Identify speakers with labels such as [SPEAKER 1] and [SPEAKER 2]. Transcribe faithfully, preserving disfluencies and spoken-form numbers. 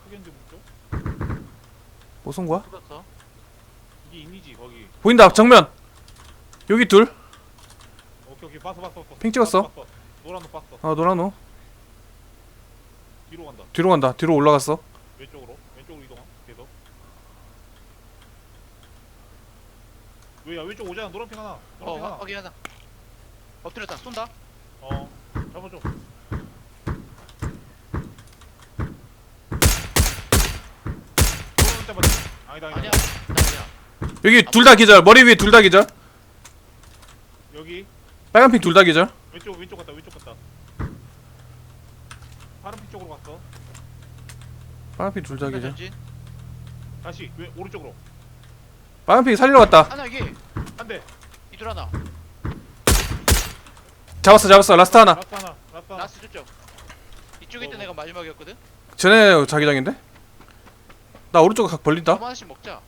[SPEAKER 1] 크겠는데 쪽?
[SPEAKER 2] 뭐 쏜 거야?
[SPEAKER 3] 쏟았어.
[SPEAKER 1] 이게 인이지 거기.
[SPEAKER 2] 보인다 정면. 여기 둘.
[SPEAKER 1] 오케이 오케이 봤어 봤어 봤어.
[SPEAKER 2] 핑 찍었어.
[SPEAKER 1] 봤어, 봤어. 노란 거 봤어.
[SPEAKER 2] 아 노란호.
[SPEAKER 1] 뒤로 간다.
[SPEAKER 2] 뒤로 간다. 뒤로 올라갔어.
[SPEAKER 1] 왼쪽으로 왼쪽으로 이동함. 계속. 왜야 왼쪽 오잖아. 노란 핑 하나. 노란
[SPEAKER 3] 어
[SPEAKER 1] 핑 하나.
[SPEAKER 3] 확- 확인하자. 엎드렸다. 쏜다.
[SPEAKER 1] 어 잡아줘. 노란 때 맞지? 아니다 아니다.
[SPEAKER 3] 아니야. 나 아니야.
[SPEAKER 2] 여기 둘 다 기절. 머리 위에 둘 다 기절.
[SPEAKER 1] 여기
[SPEAKER 2] 빨간 핑 둘 다 기절.
[SPEAKER 1] 왼쪽 왼쪽 갔다 왼쪽 갔다. 파란 핑 쪽으로 갔어.
[SPEAKER 2] 빨간 핑 둘 다 기절.
[SPEAKER 3] 전진.
[SPEAKER 1] 다시 왼 오른쪽으로
[SPEAKER 2] 빨간 핑 살리러 갔다.
[SPEAKER 3] 하나 여기.
[SPEAKER 1] 한 대.
[SPEAKER 3] 이둘 하나.
[SPEAKER 2] 잡았어 잡았어. 라스트 하나.
[SPEAKER 1] 라스트 하나. 라스트 하나.
[SPEAKER 3] 라스트 저쪽. 이쪽에 있던
[SPEAKER 1] 어.
[SPEAKER 3] 애가 마지막이었거든.
[SPEAKER 2] 쟤네 자기장인데? 나 오른쪽 각 벌린다.
[SPEAKER 3] 좀 하나씩 먹자.